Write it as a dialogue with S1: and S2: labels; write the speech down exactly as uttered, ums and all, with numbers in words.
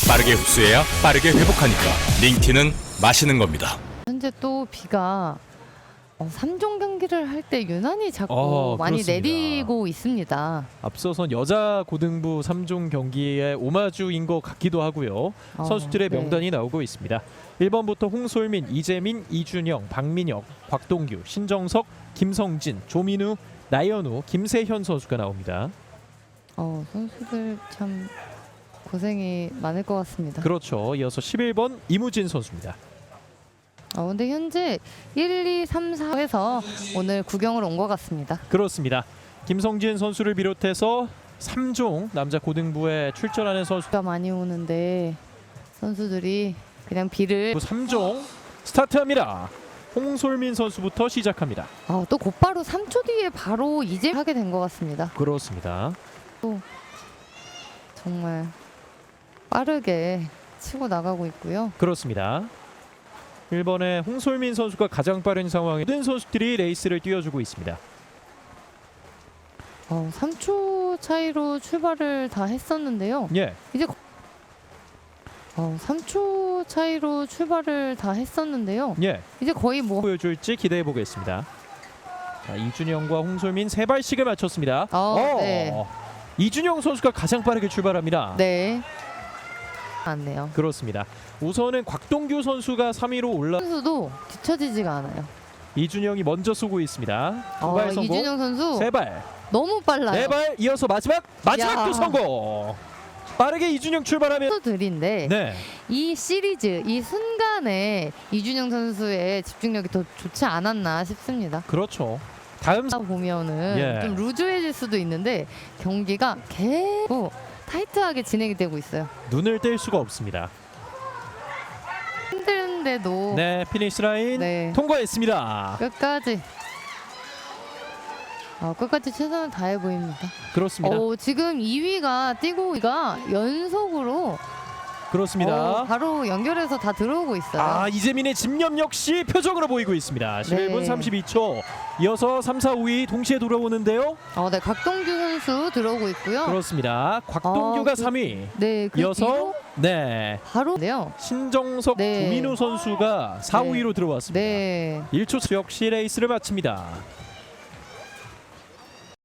S1: 빠르게 흡수해야 빠르게 회복하니까 링티는 마시는 겁니다.
S2: 현재 또 비가 어, 삼 종 경기를 할 때 유난히 자꾸
S3: 어,
S2: 많이
S3: 그렇습니다.
S2: 내리고 있습니다.
S3: 앞서선 여자 고등부 삼 종 경기의 오마주인 것 같기도 하고요.
S2: 어,
S3: 선수들의
S2: 네.
S3: 명단이 나오고 있습니다. 일 번부터 홍솔민, 이재민, 이준영, 박민혁, 곽동규, 신정석, 김성진, 조민우, 나연우, 김세현 선수가 나옵니다.
S2: 어, 선수들 참 고생이 많을 것 같습니다.
S3: 그렇죠. 이어서 십일 번 이무진 선수입니다.
S2: 어, 근데 현재 일, 이, 삼, 사에서 오늘 구경을 온 것 같습니다.
S3: 그렇습니다. 김성진 선수를 비롯해서 삼 종 남자 고등부에 출전하는 선수
S2: 비가 많이 오는데 선수들이 그냥 비를
S3: 삼 종 스타트합니다. 홍솔민 선수부터 시작합니다.
S2: 어, 또 곧바로 삼 초 뒤에 바로 이제 하게 된 것 같습니다.
S3: 그렇습니다.
S2: 정말 빠르게 치고 나가고 있고요.
S3: 그렇습니다. 일 번의 홍솔민 선수가 가장 빠른 상황에 모든 선수들이 레이스를 띄워주고 있습니다.
S2: 어, 삼 초 차이로 출발을 다 했었는데요.
S3: 예,
S2: 이제 거- 어, 삼 초 차이로 출발을 다 했었는데요.
S3: 예.
S2: 이제 거의 뭐
S3: 보여줄지 기대해 보겠습니다. 자, 이준영과 홍솔민 세 발씩을 맞췄습니다.
S2: 어, 네.
S3: 이준영 선수가 가장 빠르게 출발합니다.
S2: 네. 맞네요.
S3: 그렇습니다. 우선은 곽동규 선수가 삼 위로 올라.
S2: 선수도 뒤처지지가 않아요.
S3: 이준영이 먼저 쏘고 있습니다. 두
S2: 어,
S3: 발 성공.
S2: 이준영 선수
S3: 세 발.
S2: 너무 빨라요.
S3: 네 발 이어서 마지막 마지막도
S2: 야.
S3: 성공. 빠르게 이준영 출발하면
S2: 선수들인데
S3: 네.
S2: 이 시리즈 이 순간에 이준영 선수의 집중력이 더 좋지 않았나 싶습니다.
S3: 그렇죠. 다음
S2: 하다 보면은
S3: 예.
S2: 좀 루즈해질 수도 있는데 경기가 계속 타이트하게 진행이 되고 있어요.
S3: 눈을 뗄 수가 없습니다.
S2: 힘든데도
S3: 네, 피니시 라인
S2: 네.
S3: 통과했습니다.
S2: 끝까지 어, 끝까지 최선을 다해 보입니다.
S3: 그렇습니다.
S2: 어, 지금 이 위가 뛰고 이가 연속으로
S3: 그렇습니다.
S2: 어, 바로 연결해서 다 들어오고 있어요.
S3: 아, 이재민의 집념 역시 표정으로 보이고 있습니다. 십일 분
S2: 네.
S3: 삼십이 초. 이어서 삼, 사, 오 위 동시에 돌아오는데요.
S2: 어, 네, 곽동규 선수 들어오고 있고요.
S3: 그렇습니다. 곽동규가
S2: 어, 그-
S3: 삼 위.
S2: 네, 그
S3: 이어서
S2: 뒤로
S3: 네.
S2: 바로네요.
S3: 신정석,
S2: 네.
S3: 조민우 선수가 사,
S2: 네.
S3: 오 위로 들어왔습니다.
S2: 네.
S3: 일 초 역시 레이스를 마칩니다.